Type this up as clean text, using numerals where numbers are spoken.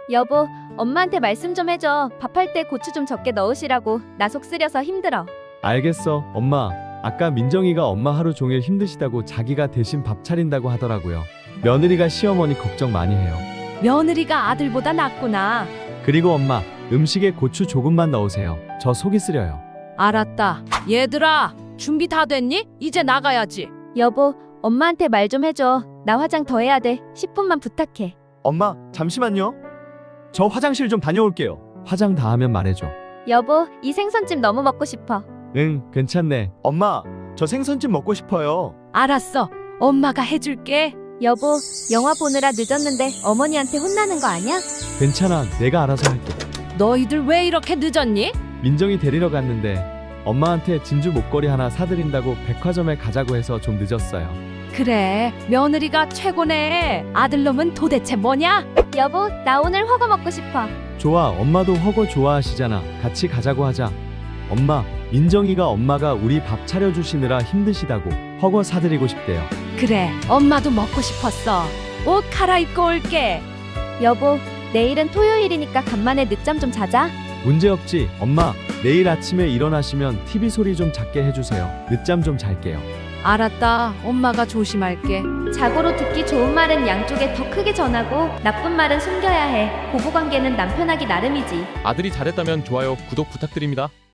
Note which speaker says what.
Speaker 1: 여보, 엄마한테 말씀 좀 해줘. 밥할 때 고추 좀 적게 넣으시라고. 나 속 쓰려서 힘들어.
Speaker 2: 알겠어, 엄마. 아까 민정이가 엄마 하루 종일 힘드시다고 자기가 대신 밥 차린다고 하더라고요. 며느리가 시어머니 걱정 많이 해요.
Speaker 3: 며느리가 아들보다 낫구나.
Speaker 2: 그리고 엄마, 음식에 고추 조금만 넣으세요. 저 속이 쓰려요.
Speaker 3: 알았다. 얘들아, 준비 다 됐니? 이제 나가야지.
Speaker 1: 여보, 엄마한테 말 좀 해줘. 나 화장 더 해야 돼. 10분만 부탁해.
Speaker 2: 엄마, 잠시만요. 저 화장실 좀 다녀올게요. 화장 다 하면 말해줘.
Speaker 1: 여보, 이 생선찜 너무 먹고 싶어.
Speaker 2: 응, 괜찮네. 엄마, 저 생선찜 먹고 싶어요.
Speaker 3: 알았어. 엄마가 해줄게.
Speaker 1: 여보, 영화 보느라 늦었는데 어머니한테 혼나는 거 아니야?
Speaker 2: 괜찮아, 내가 알아서 할게.
Speaker 3: 너희들 왜 이렇게 늦었니?
Speaker 2: 민정이 데리러 갔는데 엄마한테 진주 목걸이 하나 사드린다고 백화점에 가자고 해서 좀 늦었어요.
Speaker 3: 그래, 며느리가 최고네. 아들놈은 도대체 뭐냐?
Speaker 1: 여보, 나 오늘 허거 먹고 싶어.
Speaker 2: 좋아, 엄마도 허거 좋아하시잖아. 같이 가자고 하자. 엄마, 민정이가 엄마가 우리 밥 차려주시느라 힘드시다고 허거 사드리고 싶대요.
Speaker 3: 그래, 엄마도 먹고 싶었어. 옷 갈아입고 올게.
Speaker 1: 여보, 내일은 토요일이니까 간만에 늦잠 좀 자자.
Speaker 2: 문제없지. 엄마, 내일 아침에 일어나시면 TV 소리 좀 작게 해주세요. 늦잠 좀 잘게요.
Speaker 3: 알았다. 엄마가 조심할게.
Speaker 1: 자고로 듣기 좋은 말은 양쪽에 더 크게 전하고 나쁜 말은 숨겨야 해. 부부관계는 남편하기 나름이지.
Speaker 4: 아들이 잘했다면 좋아요, 구독 부탁드립니다.